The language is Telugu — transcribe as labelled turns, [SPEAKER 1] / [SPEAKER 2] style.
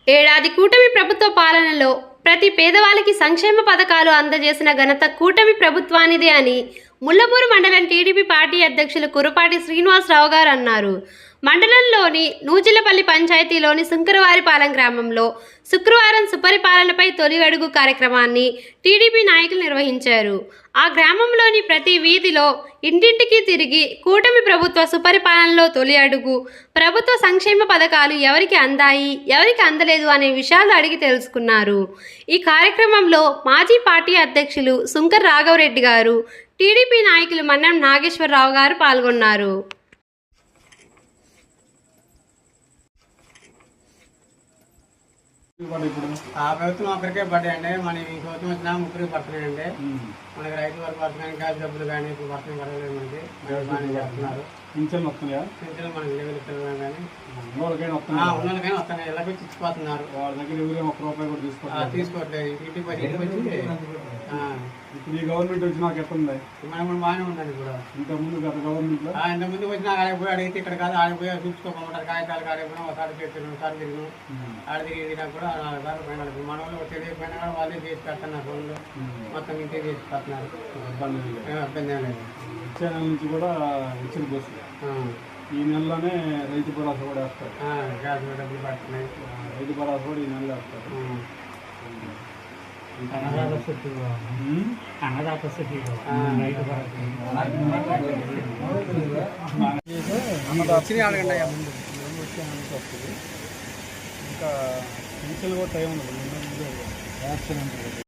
[SPEAKER 1] ఏడాది కూటమి ప్రభుత్వ పాలనలో ప్రతి పేదవాళ్ళకి సంక్షేమ పథకాలు అందజేసిన ఘనత కూటమి ప్రభుత్వానిదే అని ముల్లపూరు మండలం టీడీపీ పార్టీ అధ్యక్షులు కురపాటి శ్రీనివాసరావు గారు అన్నారు. మండలంలోని నూజిలపల్లి పంచాయతీలోని సుంకరవారిపాలెం గ్రామంలో శుక్రవారం సుపరిపాలనపై తొలి అడుగు కార్యక్రమాన్ని టీడీపీ నాయకులు నిర్వహించారు. ఆ గ్రామంలోని ప్రతి వీధిలో ఇంటింటికి తిరిగి కూటమి ప్రభుత్వ సుపరిపాలనలో తొలి అడుగు, ప్రభుత్వ సంక్షేమ పథకాలు ఎవరికి అందాయి, ఎవరికి అందలేదు అనే విషయాలు అడిగి తెలుసుకున్నారు. ఈ కార్యక్రమంలో మాజీ పార్టీ అధ్యక్షులు సుంకర్ రాఘవరెడ్డి గారు, టీడీపీ నాయకులు మన్నం నాగేశ్వరరావు గారు పాల్గొన్నారు.
[SPEAKER 2] ఆ ప్రభుత్వం ఒకరికే పడ్డాయండి. మన ఈ ప్రభుత్వం వచ్చినా ముగ్గురికి పడుతున్నాయండి. మనకి రైతు వరకు పడుతున్నాయి, గ్యాస్ డబ్బులు కానీ ఇప్పుడు పడుతున్నాయి పడలేదు. మనకి బాగానే చేస్తున్నారు. పింఛన్లు వస్తున్నాయా? పింఛన్లు మనకి లెవెల్ ఇస్తున్నారు కానీ ఉన్నోళ్ళకైనా వస్తున్నాయి. ఇలా వచ్చి ఇచ్చిపోతున్నారు. వాళ్ళ దగ్గర ఎవరు ఒక్క రూపాయి కూడా తీసుకోవట్లేదు. ఇంటికి వచ్చి ఇప్పుడు ఈ గవర్నమెంట్ వచ్చినాక ఎట్లుంది? మనం బాగానే ఉందండి. ఇప్పుడు ఇంతకుముందు గత గవర్నమెంట్లో ఇంతకుముందు వచ్చినా ఆడపోయి అడిగితే ఇక్కడ కాదు ఆడపోయి చూసుకోకుండా కాగితాలు ఆడకపోయినా ఒకసారి చెప్పిన ఒకసారి తిరిగినాం. ఆడ తిరిగినా కూడా 4 సార్లు పోయినా. మన వాళ్ళు తెలియకపోయినా కూడా వాళ్ళే చేసి పెడుతున్నారు. ఫోన్లో మొత్తం ఇంటికి చేసి పెడుతున్నారు. ఇబ్బంది ఏం లేదు. వచ్చే నెల నుంచి కూడా ఇచ్చిన బస్సు ఈ నెలలోనే రైతు భరోసా కూడా వేస్తారు. గ్యాస్ డబ్బులు పడుతున్నాయి. రైతు భరోసా కూడా ఈ నెలలో వేస్తారు. ఇంకా పింఛన్లు కూడా టైం ఉంది.